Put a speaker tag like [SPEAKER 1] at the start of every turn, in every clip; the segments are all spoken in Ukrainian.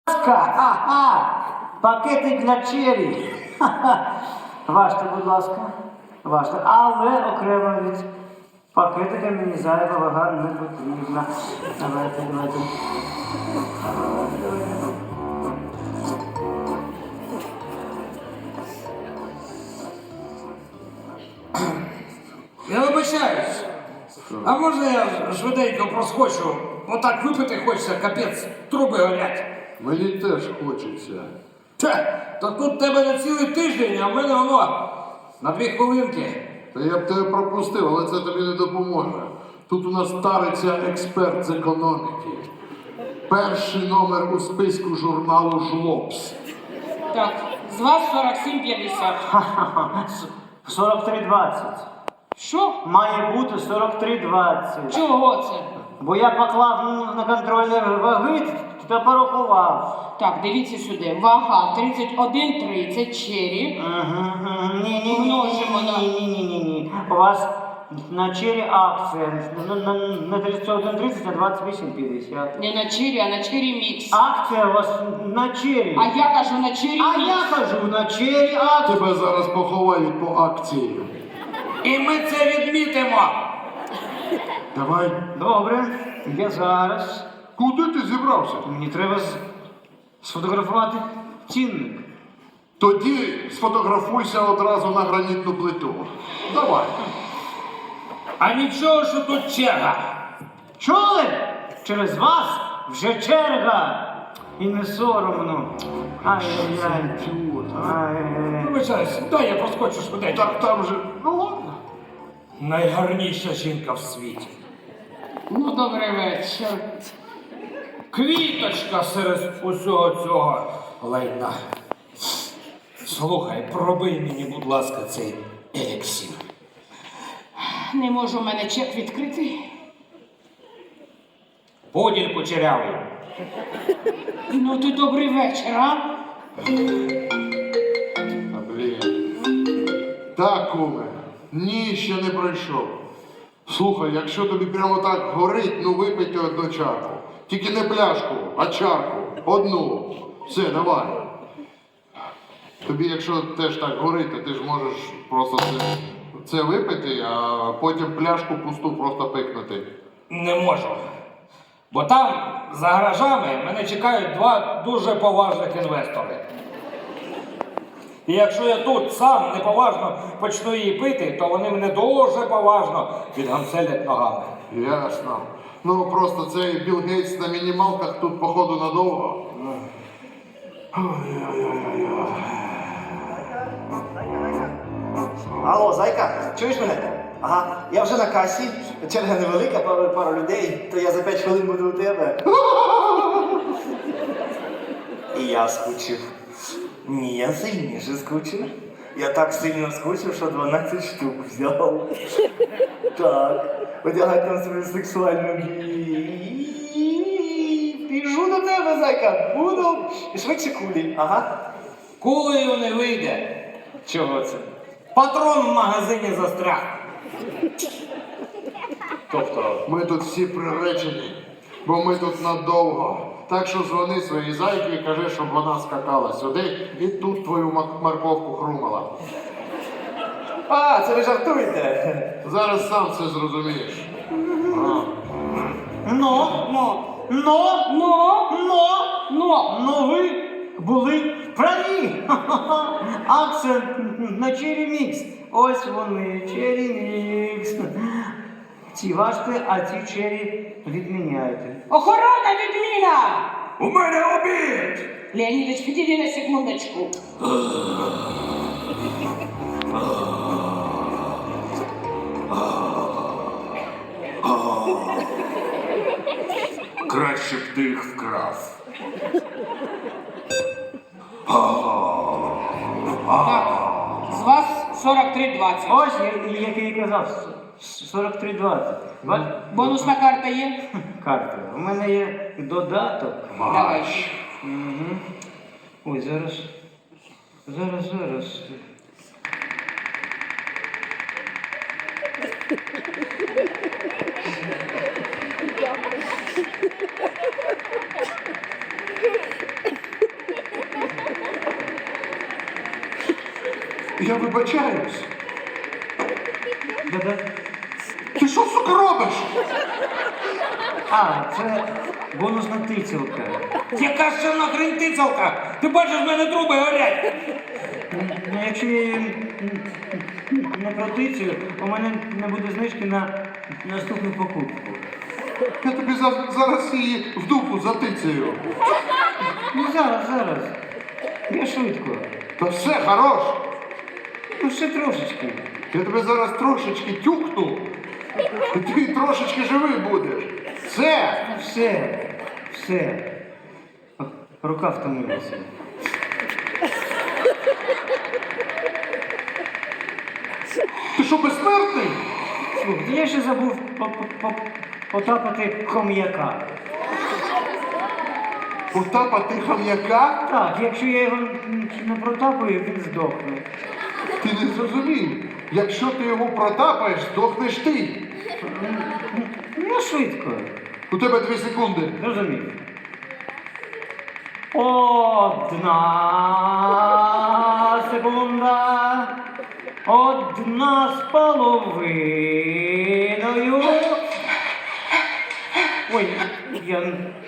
[SPEAKER 1] Ага, пакетик для чері. Важте, будь ласка. Важте. Але окремо від пакетика мені зайва вага не потрібна. Давайте.
[SPEAKER 2] Я вибачаюсь. А можна я швиденько проскочу? Отак випити хочеться, капець, труби горять.
[SPEAKER 3] Мені теж хочеться.
[SPEAKER 2] То тут тебе на цілий тиждень, а в мене воно на 2 хвилинки.
[SPEAKER 3] Та я б тебе пропустив, але це тобі не допоможе. Тут у нас стариться експерт з економіки. Перший номер у списку журналу «Жлобс».
[SPEAKER 4] Так, з вас 47,50.
[SPEAKER 1] 43,20.
[SPEAKER 4] Що?
[SPEAKER 1] Має бути 43,20.
[SPEAKER 4] Чого це?
[SPEAKER 1] Бо я поклав на контрольні ваги та порахував.
[SPEAKER 4] Так, дивіться сюди. Вага 31,30 чері. Множимо на...
[SPEAKER 1] Ні. У вас на чері акція. На 31,30, а 28,50.
[SPEAKER 4] Не на чері, а на чері мікс.
[SPEAKER 1] Акція у вас на чері.
[SPEAKER 4] А я кажу на чері
[SPEAKER 1] А
[SPEAKER 4] мікс.
[SPEAKER 1] я кажу на чері акція.
[SPEAKER 3] Тебе зараз поховають по акції.
[SPEAKER 2] І ми це відмітимо.
[SPEAKER 3] Давай.
[SPEAKER 1] Добре, я зараз.
[SPEAKER 3] Куди ти зібрався?
[SPEAKER 1] Мені треба сфотографувати цінник.
[SPEAKER 3] Тоді сфотографуйся одразу на гранітну плиту. Давай.
[SPEAKER 2] А нічого, що тут черга.
[SPEAKER 1] Чули? Через вас вже черга. І не соромно. Ай-яй-яй. Ай-яй-яй.
[SPEAKER 2] Вибачаюсь, дай я проскочу швиденько.
[SPEAKER 3] Так там же. Ну ладно.
[SPEAKER 2] Найгарніша жінка в світі.
[SPEAKER 4] Ну, добрий вечір.
[SPEAKER 2] Квіточка серед усього цього лайна. Слухай, пробий мені, будь ласка, цей еліксир.
[SPEAKER 4] Не можу в мене чек відкрити.
[SPEAKER 2] Поділь кучерявий.
[SPEAKER 4] Ну, ти добрий вечір, а?
[SPEAKER 3] А блін. Так, куме. Ні, ще не пройшов. Слухай, якщо тобі прямо так горить, ну випийте одну чарку. Тільки не пляшку, а чарку. Одну. Все, давай. Тобі, якщо теж так горить, то ти ж можеш просто це випити, а потім пляшку пусту просто пикнути.
[SPEAKER 2] Не можу. Бо там, за гаражами, мене чекають 2 дуже поважних інвестори. І якщо я тут сам неповажно почну її пити, то вони мене дуже поважно відгамселять ногами.
[SPEAKER 3] Ясно. Ну просто цей Білл Гейтс на мінімалках тут, походу, надовго.
[SPEAKER 5] Алло, зайка, чуєш мене? Ага, я вже на касі, черга невелика, пару людей, то я за 5 хвилин буду у тебе. І я скучив. Ні, я сильніше скучив. Я так сильно скучив, що 12 штук взяв. Так, одягай там свою сексуальну біжу до тебе, зайка, буду. І швидше кулі, ага.
[SPEAKER 2] Кулею не вийде.
[SPEAKER 5] Чого це?
[SPEAKER 2] Патрон в магазині застряг.
[SPEAKER 5] Тобто,
[SPEAKER 3] Ми тут всі приречені, бо ми тут надовго. Так що дзвони своїй зайці і кажи, щоб вона скакала сюди і тут твою морковку хрумала.
[SPEAKER 5] а, це ви жартуєте?
[SPEAKER 3] Зараз сам все зрозумієш.
[SPEAKER 1] Ну ви були праві. Акція на чері мікс. Ось вони, чері мікс. Ці важте, а ці чері відміняйте.
[SPEAKER 4] Охорона, відміна!
[SPEAKER 2] У мене обід!
[SPEAKER 4] Леонідович, підійди на секундочку.
[SPEAKER 2] Краще б ти їх вкрав.
[SPEAKER 4] Так, з вас 43,20.
[SPEAKER 1] Ось, як я і казав, 43,20.
[SPEAKER 4] Бонусна карта є?
[SPEAKER 1] Карта. У мене є додаток.
[SPEAKER 4] Давай.
[SPEAKER 1] Ой, зараз.
[SPEAKER 3] Я вибачаюсь.
[SPEAKER 1] Да-да.
[SPEAKER 3] Ти що, сука, робиш?
[SPEAKER 1] А, це бонусна тицілка.
[SPEAKER 2] Яка ще нахрен тицялка? Ти бачиш, в мене труби горять.
[SPEAKER 1] Ну, якщо я її не протицюю, у мене не буде знижки на наступну покупку.
[SPEAKER 3] Я тобі зараз її в дупу затицяю.
[SPEAKER 1] Ну зараз. Я швидко.
[SPEAKER 3] Та все, хорош.
[SPEAKER 1] Ну ще трошечки.
[SPEAKER 3] Я тебе зараз трошечки тюкну, і ти трошечки живий будеш. Все.
[SPEAKER 1] Все. Рука втомилася.
[SPEAKER 3] Ти що, безсмертний?
[SPEAKER 1] Слухай, я ще забув потапати хом'яка.
[SPEAKER 3] Потапати хам'яка?
[SPEAKER 1] Так, якщо я його не протапаю, він здохне.
[SPEAKER 3] Ти не зрозумів. Якщо ти його протапаєш, здохнеш ти.
[SPEAKER 1] Я швидко.
[SPEAKER 3] У тебе 2 секунди.
[SPEAKER 1] Розумів. Одна секунда. Одна з половиною. Ой, я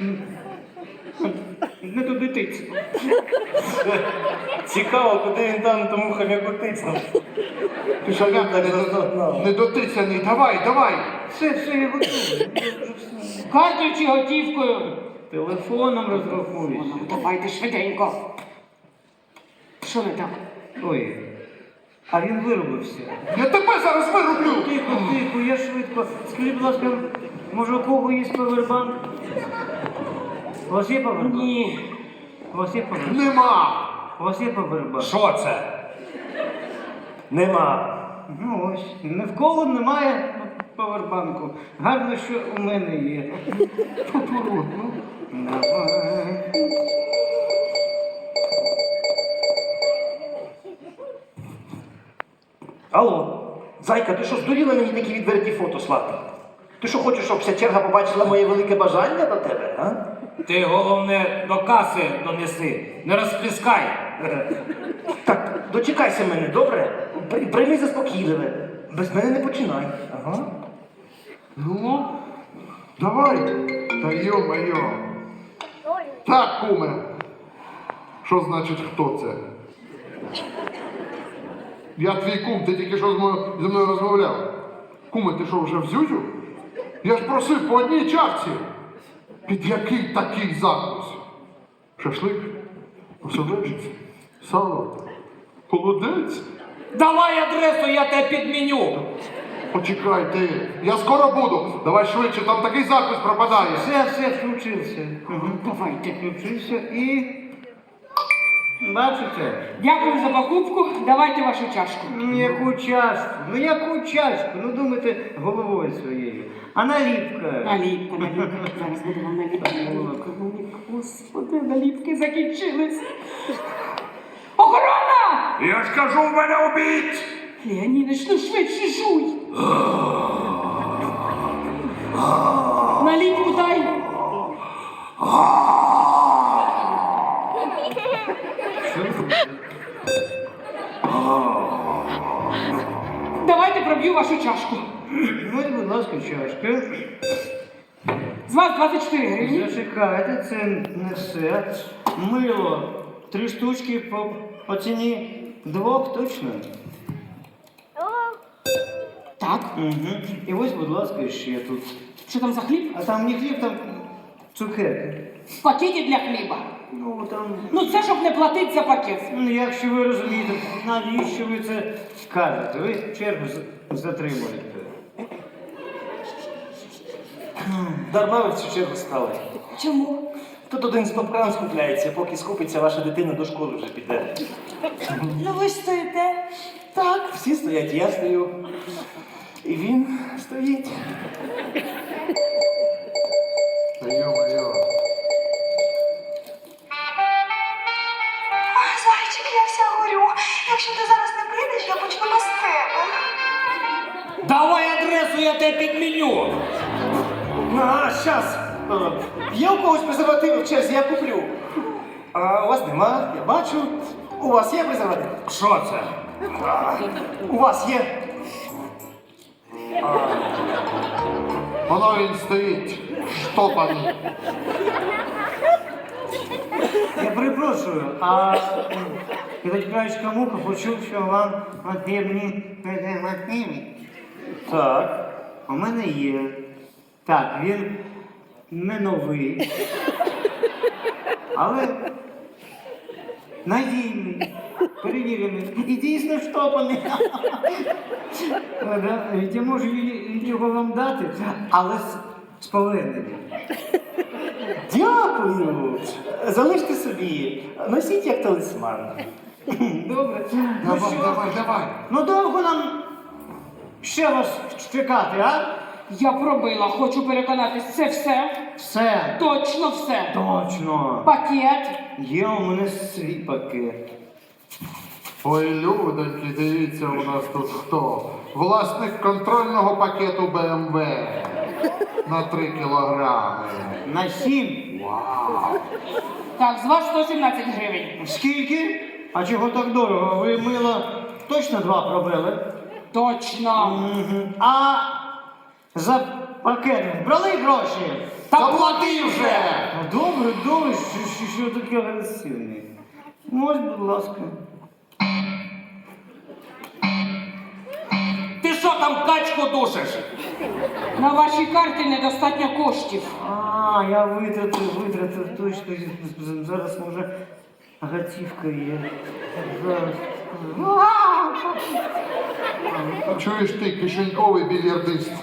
[SPEAKER 1] не туди тицю.
[SPEAKER 5] Цікаво, куди він там тому хомяку тицнув.
[SPEAKER 3] Ти що, я недотицяний. Давай.
[SPEAKER 1] Все, я готовий.
[SPEAKER 4] Картою чи готівкою?
[SPEAKER 1] Телефоном розрахуюся.
[SPEAKER 4] Ну, давайте швиденько. Що не так?
[SPEAKER 1] Ой, а він виробився.
[SPEAKER 3] Я тебе зараз вирублю.
[SPEAKER 1] Тихо, я швидко. Скажіть, будь ласка, може у кого є павербанк? У вас є павербанк?
[SPEAKER 4] Ні.
[SPEAKER 1] У вас є павербанк?
[SPEAKER 3] Нема.
[SPEAKER 1] У вас є павербанк?
[SPEAKER 2] Що це?
[SPEAKER 5] Нема.
[SPEAKER 1] Ну ось, ні в кого немає павербанку. Гарно, що у мене є.
[SPEAKER 3] Поворот, ну.
[SPEAKER 1] Давай.
[SPEAKER 5] Алло, зайка, ти що, здуріла мені такі відверті фото слати? Ти що хочеш, щоб вся черга побачила моє велике бажання до тебе, а?
[SPEAKER 2] Ти головне до каси донеси, не розпліскай.
[SPEAKER 5] Так, дочекайся мене, добре? Прийми заспокійливе. Без мене не починай. Ага.
[SPEAKER 3] Ну, давай. Та йо-моє. Так, куме. Що значить, хто це? Я твій кум, ти тільки що зі мною розмовляв. Куме, ти що, вже в зюзю? Я ж просив по одній чарці. Під який такий закус? Шашлик? Оселедець? Сало? Холодець?
[SPEAKER 2] Давай адресу, я тебе підміню.
[SPEAKER 3] Почекай ти, я скоро буду. Давай швидше, там такий запис пропадає.
[SPEAKER 1] Все, включився.
[SPEAKER 4] Давайте.
[SPEAKER 1] Включився і... Бачите?
[SPEAKER 4] Дякую за покупку. Давайте вашу чашку.
[SPEAKER 1] Яку чашку? Яку чашку? Ну думайте головою своєю. А наліпка?
[SPEAKER 4] Наліпка. Зараз буде вам наліпка. Господи, наліпки закінчились. Охорона!
[SPEAKER 2] Я ж кажу, в мене обід!
[SPEAKER 4] Леонідич, ну швидше жуй. Наліпку дай. Давайте проб'ю вашу чашку.
[SPEAKER 1] Ось, будь ласка, чашка.
[SPEAKER 4] З вас 24 гривні.
[SPEAKER 1] Зачекайте, це не все. Мило. 3 штучки по ціні 2 точно.
[SPEAKER 4] Так.
[SPEAKER 1] Угу. І ось, будь ласка, ще тут.
[SPEAKER 4] Що там за хліб?
[SPEAKER 1] А там не хліб, там цукерки.
[SPEAKER 4] Пакеті для хліба.
[SPEAKER 1] Ну, там...
[SPEAKER 4] Ну це щоб не платити за пакет.
[SPEAKER 1] Ну, якщо ви розумієте, навіщо ви це кажете? Ви чергу затримуєте.
[SPEAKER 5] Дарма ви в цю чергу стали.
[SPEAKER 4] Чому?
[SPEAKER 5] Тут один стоп-кран скупляється, поки скупиться, ваша дитина до школи вже піде.
[SPEAKER 4] Ну ви ж стоїте.
[SPEAKER 5] Так, всі стоять, я стою. І він стоїть.
[SPEAKER 3] Та йо-моє.
[SPEAKER 6] Ах, зайчик, я вся горю. Якщо ти зараз не прийдеш, я почну без тебе.
[SPEAKER 2] Давай адресу, я тебе підміню.
[SPEAKER 5] А, щас. Є у когось презерватив в черзі, я куплю. А у вас нема, я бачу. У вас є презерватив?
[SPEAKER 2] Що це?
[SPEAKER 1] У вас є?
[SPEAKER 3] Воно він стоїть, штопаний.
[SPEAKER 1] Я перепрошую, а Китайська муха почув, що вам потрібні презервативи.
[SPEAKER 5] Так.
[SPEAKER 1] У мене є. Так, він не новий, але надійний, перевірений і дійсно штопаний. Я можу його вам дати, але з поверненням.
[SPEAKER 5] Дякую. Залиште собі. Носіть як талісман.
[SPEAKER 1] Добре. Ну
[SPEAKER 3] Давай,
[SPEAKER 1] що?
[SPEAKER 3] давай.
[SPEAKER 1] Ну довго нам ще вас чекати, а?
[SPEAKER 4] Я пробила, хочу переконатись, це все?
[SPEAKER 1] Все.
[SPEAKER 4] Точно все.
[SPEAKER 1] Точно.
[SPEAKER 4] Пакет.
[SPEAKER 1] Є у мене свій пакет.
[SPEAKER 3] Ой, людоньки, дивіться, у нас тут хто? Власник контрольного пакету БМВ на 3 кілограми.
[SPEAKER 1] На 7.
[SPEAKER 3] Вау!
[SPEAKER 4] Так, з вас 117 гривень.
[SPEAKER 1] Скільки? А чого так дорого? Ви мило точно 2 пробили?
[SPEAKER 4] Точно.
[SPEAKER 1] Мгм. А за пакет брали гроші?
[SPEAKER 3] Та плати вже!
[SPEAKER 1] Добре, що таке агресивний. Ось, будь ласка.
[SPEAKER 2] Ти що там качку душиш?
[SPEAKER 4] На вашій карті недостатньо коштів.
[SPEAKER 1] А, я витратив точно. Зараз може готівка є. Зараз.
[SPEAKER 3] Чуєш ти, кишеньковий більярдист?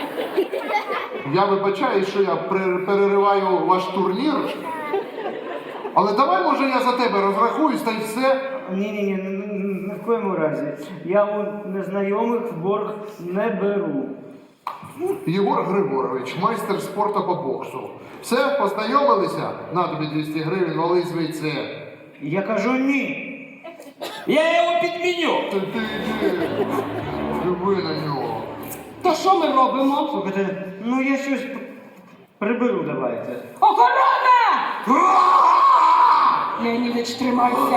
[SPEAKER 3] Я вибачаю, що я перериваю ваш турнір. Але давай, може, я за тебе розрахуюсь та й все.
[SPEAKER 1] Ні, ні в коєму разі. Я у незнайомих в борг не беру.
[SPEAKER 3] Єгор Григорович, майстер спорту по боксу. Все, познайомилися? На тобі 200 гривень, вали звідси.
[SPEAKER 1] Я кажу ні.
[SPEAKER 2] Я його підміню.
[SPEAKER 3] Ти йди, диви на нього.
[SPEAKER 4] То що ми робимо?
[SPEAKER 1] Слухайте, ну я щось приберу, давайте.
[SPEAKER 4] Охорона! Леонідич, тримайся.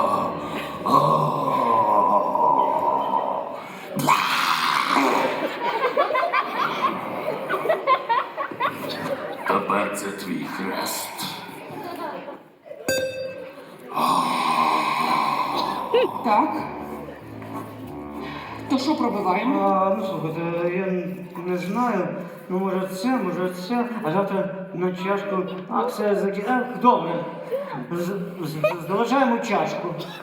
[SPEAKER 3] Тепер це твій хрест.
[SPEAKER 4] Так. То що пробиваємо?
[SPEAKER 1] Ну слухайте, я не знаю. Ну може це, а завтра на чашку акція Добре. Залишаємо чашку.